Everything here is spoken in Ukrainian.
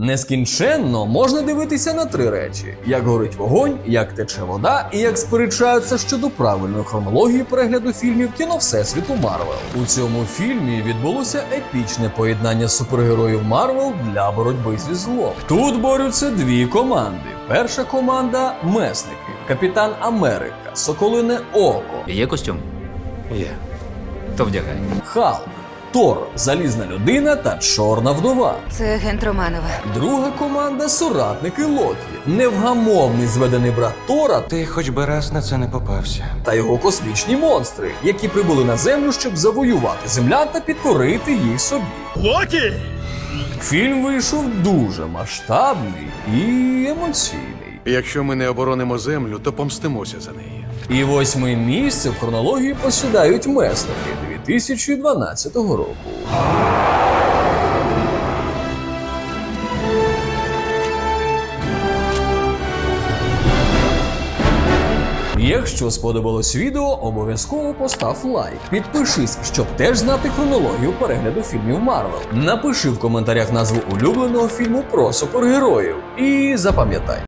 Нескінченно можна дивитися на три речі: як горить вогонь, як тече вода і як сперечаються щодо правильної хронології перегляду фільмів кіно Всесвіту Марвел. У цьому фільмі відбулося епічне поєднання супергероїв Марвел для боротьби зі злом. Тут борються дві команди. Перша команда – месники, Капітан Америка, Соколине Око, Є костюм? Є. То вдягай. Халк, Тор, Залізна людина та Чорна вдова. Це агент Романова. Друга команда – соратники Локі, невгамовний зведений брат Тора Ти хоч би раз на це не попався. та його космічні монстри, які прибули на Землю, щоб завоювати землян та підкорити їх собі. Локі! Фільм вийшов дуже масштабний і емоційний. Якщо ми не оборонимо землю, то помстимося за неї. І 8-ме місце в хронології посідають месники 2012 року. Якщо сподобалось відео, обов'язково постав лайк. Підпишись, щоб теж знати хронологію перегляду фільмів Марвел. Напиши в коментарях назву улюбленого фільму про супергероїв. І запам'ятай,